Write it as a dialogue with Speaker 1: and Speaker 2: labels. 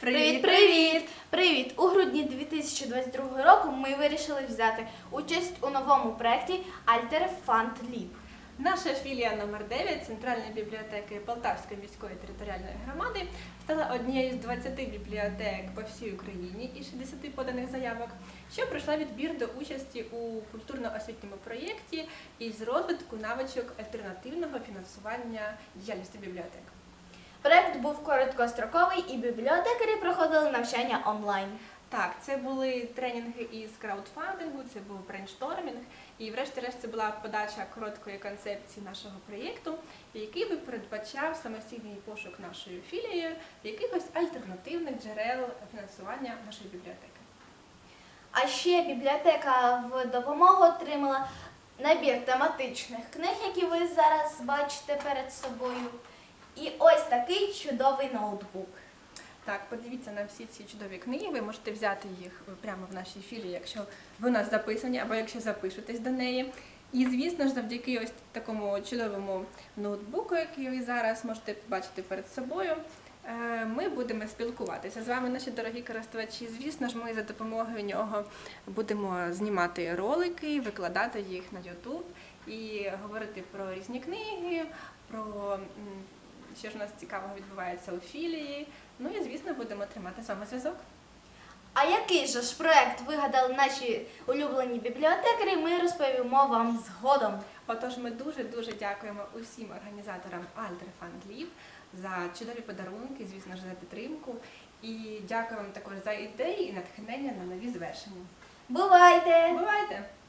Speaker 1: Привіт! Привіт! У грудні 2022 року ми вирішили взяти участь у новому проєкті Alter Fund Lib.
Speaker 2: Наша філія номер 9 Центральної бібліотеки Полтавської міської територіальної громади стала однією з 20 бібліотек по всій Україні і 60 поданих заявок, що пройшла відбір до участі у культурно-освітньому проєкті із розвитку навичок альтернативного фінансування діяльності бібліотек.
Speaker 1: Проєкт був короткостроковий і бібліотекарі проходили навчання онлайн.
Speaker 2: Так, це були тренінги із краудфандингу, це був брейнштормінг і врешті-решт це була подача короткої концепції нашого проєкту, який би передбачав самостійний пошук нашою філією якихось альтернативних джерел фінансування нашої бібліотеки.
Speaker 1: А ще бібліотека в допомогу отримала набір тематичних книг, які ви зараз бачите перед собою. І ось такий чудовий ноутбук.
Speaker 2: Так, подивіться на всі ці чудові книги, ви можете взяти їх прямо в нашій філії, якщо ви у нас записані, або якщо запишетесь до неї. І, звісно ж, завдяки ось такому чудовому ноутбуку, який ви зараз можете бачити перед собою, ми будемо спілкуватися з вами, наші дорогі користувачі. Звісно ж, ми за допомогою нього будемо знімати ролики, викладати їх на YouTube і говорити про різні книги, про що ж у нас цікавого відбувається у філії. Ну і, звісно, будемо тримати з вами зв'язок.
Speaker 1: А який же ж проєкт вигадали наші улюблені бібліотекарі, ми розповімо вам згодом.
Speaker 2: Отож, ми дуже-дуже дякуємо усім організаторам Alter Fund Lib за чудові подарунки, звісно ж, за підтримку. І дякуємо також за ідеї і натхнення на нові звершення.
Speaker 1: Бувайте!
Speaker 2: Бувайте!